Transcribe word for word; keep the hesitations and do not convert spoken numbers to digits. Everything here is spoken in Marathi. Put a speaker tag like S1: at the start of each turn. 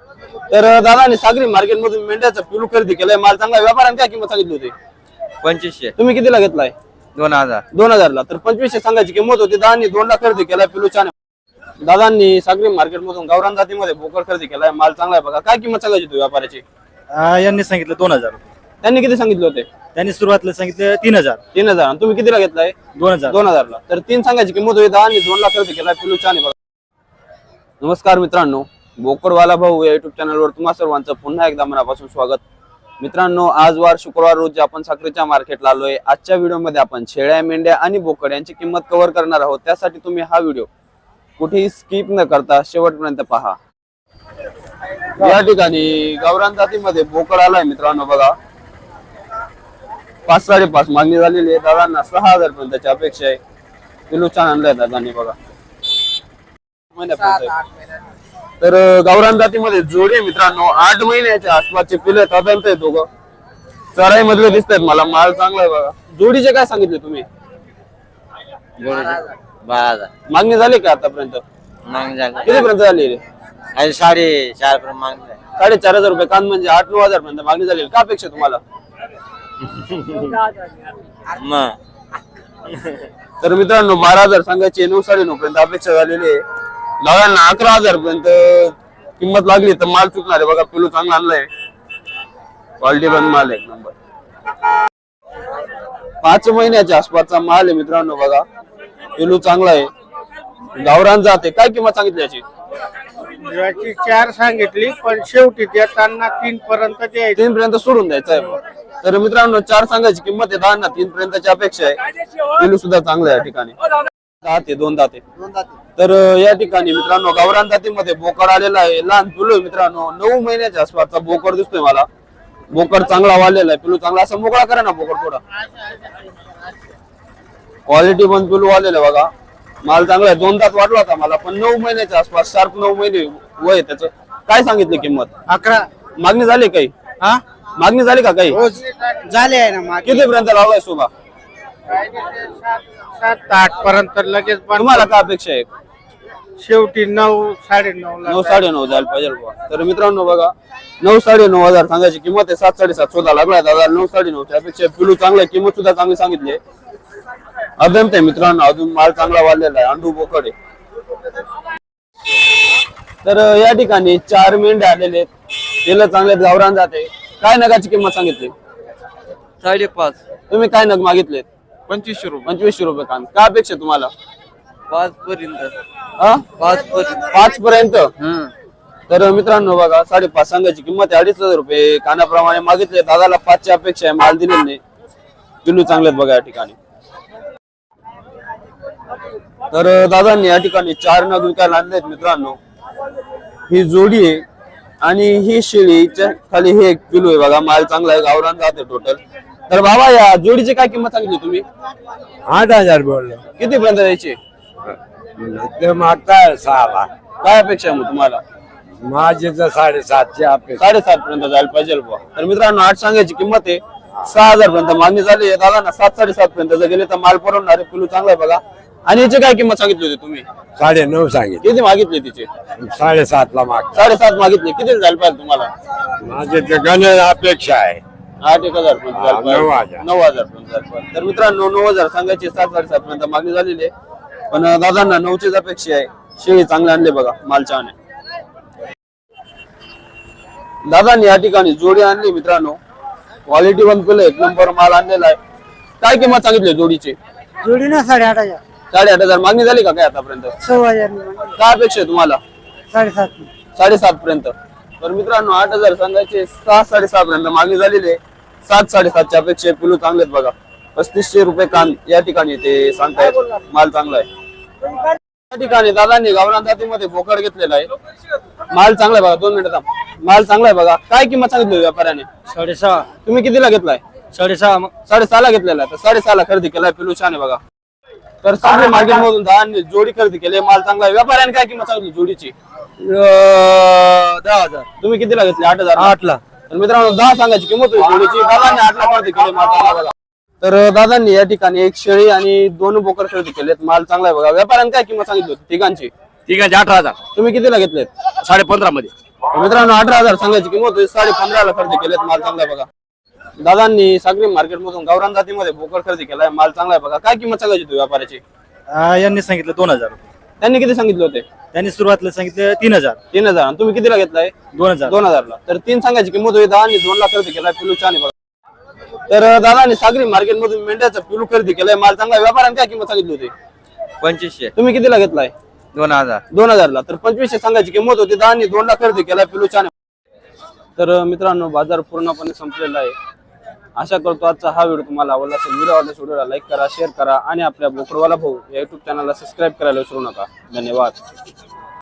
S1: तर दादाने सागरी मार्केट मधून मेंढ्याचा पिलू खरेदी केलाय, माल चांगला, व्यापाऱ्याने काय किंमत सांगितली होती?
S2: पंचवीसशे.
S1: तुम्ही कितीला घेतलाय?
S2: दोन हजार.
S1: दोन हजार ला. तर पंचवीसशे सांगायची किंमत होती, दादांनी दोन ला खरेदी केलाय पिलू छान. दादांनी सागरी मार्केट मधून गावरान जातीमध्ये बोकड खरेदी केलाय, माल चांगला आहे बघा. काय किंमत सांगायची होती व्यापाऱ्याची?
S3: यांनी सांगितलं दोन हजार.
S1: त्यांनी किती सांगितले होते?
S3: त्यांनी सुरुवातीला सांगितलं तीन हजार.
S1: तीन हजार. आणि तुम्ही कितीला घेतलाय?
S3: दोन हजार.
S1: दोन हजार ला. तर तीन सांगायची किंमत होती, दहा आणि दोन ला खरेदी केलाय पिलू छान आहे बघा. नमस्कार मित्रांनो, बोकडवाला भाऊ या युट्यूब चॅनलवर तुम्हा सर्वांचं पुन्हा एकदा मनापासून स्वागत. मित्रांनो, आज वार शुक्रवार रोजी आपण साखरेच्या मार्केटला आलोय. आजच्या व्हिडिओमध्ये आपण शेळ्या, मेंढ्या आणि बोकड यांची किंमत कव्हर करणार आहोत. त्यासाठी तुम्ही हा व्हिडिओ कुठेही स्किप न करता शेवटपर्यंत पहा. या ठिकाणी गावरान जातीमध्ये बोकड आलाय मित्रांनो बघा. पाच साडेपाच मागणी झालेली आहे. दादांना सहा हजार पर्यंतची अपेक्षा आहे. किलो छान आणलाय दादांनी बघा. तर गावरान जातीमध्ये जोडी मित्रांनो आठ महिन्याच्या आसपासचे पिले साधारणतः आहे. दोघं चराई मधले दिसत आहेत मला. माल चांगला आहे बघा. जोडीचे काय सांगितले तुम्ही?
S2: बारा हजार.
S1: मागणी झाली का आतापर्यंत?
S2: मागणी झाली.
S1: किती पर्यंत झाली?
S2: साडे चार पर्यंत मागणी.
S1: साडेचार हजार रुपये कान म्हणजे आठ नऊ हजार पर्यंत मागणी झाली. का अपेक्षा तुम्हाला? तर मित्रांनो बारा हजार सांगायचे, नऊ साडे नऊ पर्यंत अपेक्षा झालेली आहे. दादांना अकरा हजार पर्यंत किंमत लागली तर माल चुकणार आहे बघा. पिलू चांगला आणलाय, क्वालिटी पण माल एक नंबर. पाच महिन्याच्या आसपासचा माल आहे मित्रांनो बघा. पिलू चांगला आहे, गावरान जाते. काय किंमत सांगितली याची?
S4: याची चार सांगितली, पण शेवटी देताना तीन पर्यंत द्यायची.
S1: तीन पर्यंत सोडून द्यायचं आहे. तर मित्रांनो चार सांगायची किंमत आहे, दादांना तीन पर्यंतची अपेक्षा आहे. पिलू सुद्धा चांगला आहे या ठिकाणी. दाते दोन दाते. तर या ठिकाणी मित्रांनो गावरान जातीमध्ये बोकड आलेला आहे. लहान पिलू आहे मित्रांनो, नऊ महिन्याच्या आसपासचा बोकड दिसतोय मला. बोकड चांगला वाढलेला आहे. पिलू चांगला. असं मोकळा करा ना बोकड थोडा. क्वालिटी पण पिलू वाढलेला बघा. माल चांगला आहे. दोन दात वाढला होता मला, पण नऊ महिन्याच्या आसपास, शार्प नऊ महिने वय त्याचं. काय सांगितली किंमत?
S4: अकरा.
S1: मागणी झाली काही?
S4: हा
S1: मागणी झाली का काही?
S4: झाले आहे ना मागे.
S1: किती पर्यंत लावलाय शोभा?
S4: सात आठ पर्यंत लगेच. पण
S1: तुम्हाला काय अपेक्षा आहे?
S4: शेवटी नऊ साडे नऊ
S1: नऊ साडे नऊ जायला पाहिजे बुवा. तर मित्रांनो बघा, नऊ साडे नऊ हजार सांगायची किंमत आहे. सात साडेसात शोधा लागलाय दादा. नऊ साडे नऊ त्यापेक्षा पिलू चांगला. किंमत सुद्धा चांगली सांगितली. अभ्यंत आहे मित्रांनो, अजून माल चांगला वाढलेला आहे. अंडू बोकड आहे. तर या ठिकाणी चार मेंढ्या आलेले आहेत. तेल चांगले गावरान जाते. काय नगाची किंमत सांगितली?
S2: साडेपाच.
S1: तुम्ही काय नग मागितलेत?
S2: पंचवीसशे रुपये.
S1: पंचवीसशे रुपये कान. काय अपेक्षा तुम्हाला?
S2: पाच पर्यंत.
S1: हा
S2: पाच पर्यंत.
S1: पाच पर्यंत. तर मित्रांनो बघा, साडेपाच सांगायची किंमत आहे. अडीच हजार रुपये कानाप्रमाणे मागितले. दादाला पाचची अपेक्षा आहे. माल दिलेले नाही. पिलू चांगलेत बघा या ठिकाणी. तर दादांनी या ठिकाणी चार नग विकायला आणलेत मित्रांनो. ही जोडी आहे आणि ही शेळीच्या खाली हे एक पिलू आहे बघा. माल चांगला आहे, गावरान जाते टोटल. तर बाबा या जोडीची काय किंमत सांगितली तुम्ही?
S3: आठ हजार बोललो.
S1: किती पर्यंत द्यायची?
S3: ते मागताय सहाला.
S1: काय अपेक्षा आहे मग तुम्हाला?
S3: माझी तर साडेसातशे अपेक्षा.
S1: साडेसात पर्यंत जायला पाहिजे बुवा. तर मित्रांनो आठ सांगायची किंमत आहे. सहा हजार पर्यंत मागणी झाली आहे. दादा ना सात साडेसात पर्यंत जर गेले तर माल परवडणार आहे. पिलू चांगला आहे बघा. आणि याची काय किंमत सांगितली होती तुम्ही?
S3: साडे नऊ सांगितले.
S1: किती मागितली तिचे?
S3: साडेसात ला माग.
S1: साडेसात मागितली. किती जायला पाहिजे तुम्हाला?
S3: माझी ते गण अपेक्षा आहे.
S1: आठ एक हजार पर्यंत जायला
S3: नऊ
S1: पाहिजे.
S3: हजार.
S1: नऊ हजार पर्यंत जायला पाहिजे. तर मित्रांनो नऊ हजार सांगायची, सात साडेसात पर्यंत मागणी झालेली आहे. पण दादांना नऊचीच अपेक्षा आहे. शेळी चांगले आणले बघा. माल छान आहे. दादांनी या ठिकाणी जोडी आणली मित्रांनो. क्वालिटी पण केलं, एक नंबर माल आणलेला आहे. काय किंमत सांगितली जोडीची?
S4: जोडी ना साडेआठ हजार.
S1: साडेआठ हजार मागणी झाली का काय आतापर्यंत?
S4: सव्वा हजार.
S1: काय अपेक्षा आहे तुम्हाला?
S4: साडेसात.
S1: साडेसात पर्यंत. तर मित्रांनो आठ हजार सांगायचे, सहा साडेसहा पर्यंत मागणी झालेली आहे. सात साडेसातच्या अपेक्षा. पिलू चांगलेत बघा. पस्तीसशे रुपये कान या ठिकाणी ते सांगतायत. माल चांगला आहे. या ठिकाणी दादांनी गावरान जातीमध्ये बोकड घेतलेला आहे. माल चांगला आहे बघा. दोन मिनिटात. माल चांगला आहे बघा. काय किंमत सांगितली व्यापाऱ्याने?
S4: साडेसहा.
S1: तुम्ही कितीला घेतलाय?
S4: साडेसहा.
S1: साडेसहा ला घेतलेला आहे. तर साडेसहा ला खरेदी केलाय. पिलू छान आहे बघा. तर सागरी मार्केट मधून दादांनी जोडी खरेदी केली. माल चांगला आहे. व्यापाऱ्याने काय किंमत सांगितली जोडीची?
S4: दहा हजार.
S1: तुम्ही कितीला घेतली? आठ हजार.
S4: आठ ला.
S1: तर मित्रांनो दहा सांगायची किंमत होती जोडीची. दादांनी आठ ला खरेदी केली. माल चांगला बघा. तर दादांनी या ठिकाणी एक शेळी आणि दोन बोकड खरेदी केलेत. माल चांगला आहे बघा. व्यापाऱ्याने काय किंमत सांगितली होती तिघांची?
S2: ठीक आहे. अठरा हजार.
S1: तुम्ही कितीला घेतलेत?
S2: साडे पंधरा मध्ये.
S1: मित्रांनो अठरा हजार सांगायची किंमत होती, साडे पंधराला खरेदी केलेत. माल चांगला आहे बघा. दादांनी सागरी मार्केट मधून गावरान जातीमध्ये बोकड खरेदी केलाय. माल चांगला आहे बघा. काय किंमत सांगायची तू व्यापाऱ्याची?
S5: आ, यांनी सांगितलं दोन हजार रुपये.
S1: त्यांनी किती सांगितले होते?
S5: त्यांनी सुरुवातीला सांगितलं तीन हजार
S1: तीन हजार. आणि तुम्ही कितीला घेतलाय?
S5: दोन हजार
S1: दोन हजारला. तर तीन सांगायची किंमत होती. दहा आणि दोन लाख खरेदी केलाय. पिलू छान आहे बघा. तर दादांनी सागरी मार्केट मधून मेंढ्याचा पिलू खरेदी केलाय. माल चांगला आहे. व्यापाऱ्याने काय किंमत सांगितली होती?
S2: पंचवीसशे
S1: तुम्ही कितीला घेतलाय?
S2: दोन हजार
S1: दोन हजारला. तर पंचवीसशे सांगायची किंमत होती. दहा आणि दोन लाख खरेदी केलाय. पिलू छान आहे. तर मित्रांनो बाजार पूर्णपणे संपलेला आहे. आशा करतो आजचा हा व्हिडिओ तुम्हाला आवडला असेल. व्हिडिओ आवडल्यास व्हिडिओला लाईक करा, शेअर करा आणि आपल्या बोकडवाला भाऊ या युट्यूब चॅनलला सबस्क्राईब करायला विसरू नका. धन्यवाद.